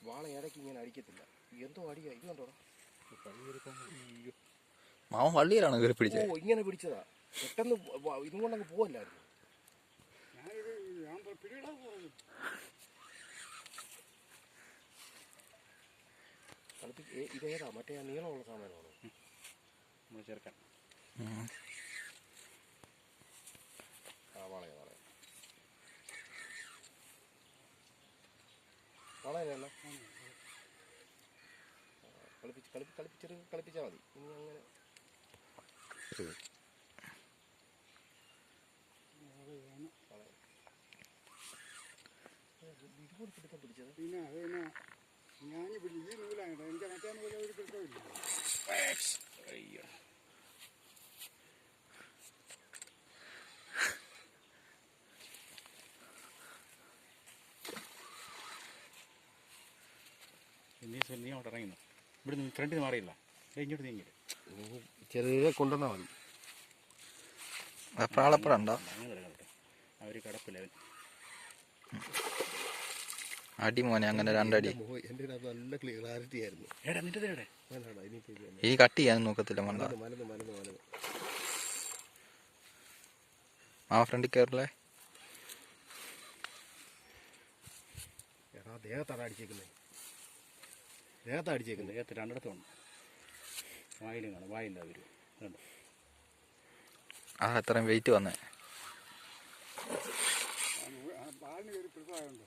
വാള ഇടയ്ക്ക് ഇങ്ങനെ അടിക്കത്തില്ല. എന്തോ അടിയാ. ഇത് കണ്ടോടാ. മാവൻ വള്ളിയിലാണ് കയറി പിടിച്ചത്. ഓ ഇങ്ങനെ പിടിച്ചതാ. പെട്ടെന്ന് ഇതും കൊണ്ടങ്ങ് പോവല്ലായിരുന്നു. ഇതേതാ മറ്റേ നീളമുള്ള സാധനമാണോ നമ്മൾ ചേർക്കാൻ? വളയ വളയല്ല കളിപ്പിച്ചാൽ മതി. ഇനി അങ്ങനെ ഇതുപോലെ പിടുത്തം പിടിച്ചത്. പിന്നെ ഞാൻ ഈ നൂലാണ് എനിക്ക് മറ്റേ നൂല ഒരു പിടുത്തമില്ല. അയ്യോ നീ അവിടെ ഇറങ്ങുന്നു. ഇവിടെ ഫ്രണ്ടിൽ മാറിയില്ല. ഇങ്ങോട്ട് നീങ്ങില്ല. ചെറിയ കൊണ്ടുവന്നാൽ മതി. പ്രാളപ്പുറണ്ടോ അവർ കിടപ്പില്ല. അടി മോനെ അങ്ങനെ രണ്ടടി. എൻ്റെ നല്ല ക്ലാരിറ്റി ആയിരുന്നു. ഈ കട്ട് ചെയ്യാൻ നോക്കത്തില്ല. മണ്ട ആ ഫ്രണ്ടിൽ കയറില്ലേ. എടാ ദേഹത്താണ് അടിച്ചേക്കുന്നത്. ദേഹത്താണ് അടിച്ചേക്കുന്നത്. ദേഹത്ത് രണ്ടിടത്തുണ്ട്. വായിലും കാണും. വായില്ല അവർ കണ്ടു. ആ അത്രയും വെയിറ്റ് വന്നേ. പാലിന് ഒരു പിടുത്തമുണ്ട്.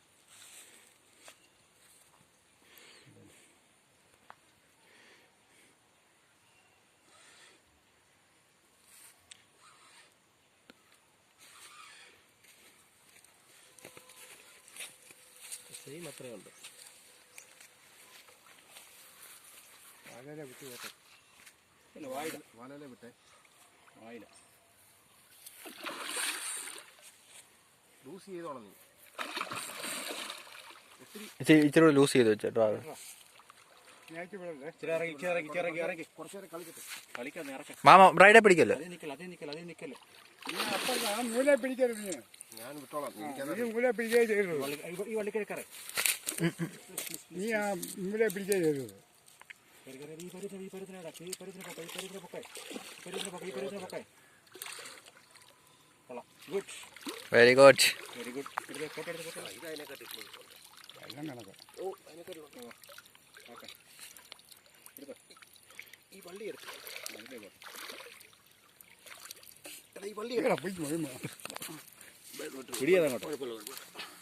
സെയിം അത്രയും ഉണ്ട്. വാലയിലെ വിട്ട് കേട്ടെ. ഇല്ല വായില. വാലയിലെ വിട്ടേ. വായില ലൂസ് ചെയ്തോണം നീ. ഇച്ചിരി ലൂസ് ചെയ്ത് വെച്ചോ. മാമ ബ്രൈഡെ പിടിക്കല്ലേ. നൂലെ പിടിക്കരുത്. ഞാൻ വിട്ടോളാം. നൂലെ പിടിക്കുകയെ ചെയ്തത്. ഈ വള്ളിക്കിഴക്കറേ നീ ആ നൂലെ പിടിക്കുകയെ ചെയ്തത്. Very good. എല്ലാം കണക്ക്. ഈ വള്ളി എടുത്തു. പോയി പിടിയാ.